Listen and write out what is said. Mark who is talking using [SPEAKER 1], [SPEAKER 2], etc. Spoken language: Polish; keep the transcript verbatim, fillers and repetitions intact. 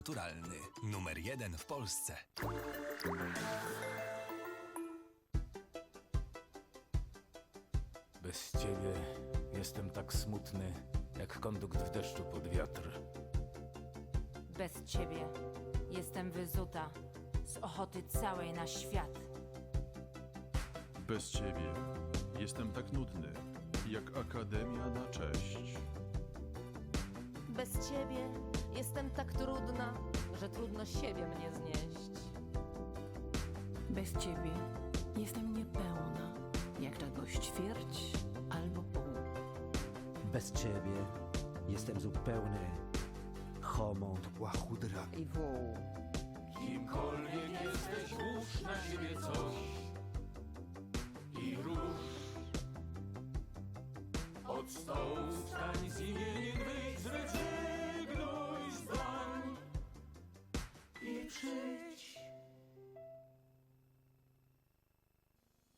[SPEAKER 1] Naturalny. Numer jeden w Polsce.
[SPEAKER 2] Bez ciebie jestem tak smutny, jak kondukt w deszczu pod wiatr.
[SPEAKER 3] Bez ciebie jestem wyzuta z ochoty całej na świat.
[SPEAKER 4] Bez ciebie jestem tak nudny, jak akademia na cześć.
[SPEAKER 5] Bez ciebie jestem tak trudna, że trudno siebie mnie znieść.
[SPEAKER 6] Bez ciebie jestem niepełna, jak czegoś ćwierć albo pół.
[SPEAKER 7] Bez ciebie jestem zupełny homont łachudra.
[SPEAKER 5] I wół.
[SPEAKER 2] Kimkolwiek jesteś, włóż na siebie coś i rusz. Od stołu wstań, z imieniem wyjdź, zrezygnuj zdań i przyjdź.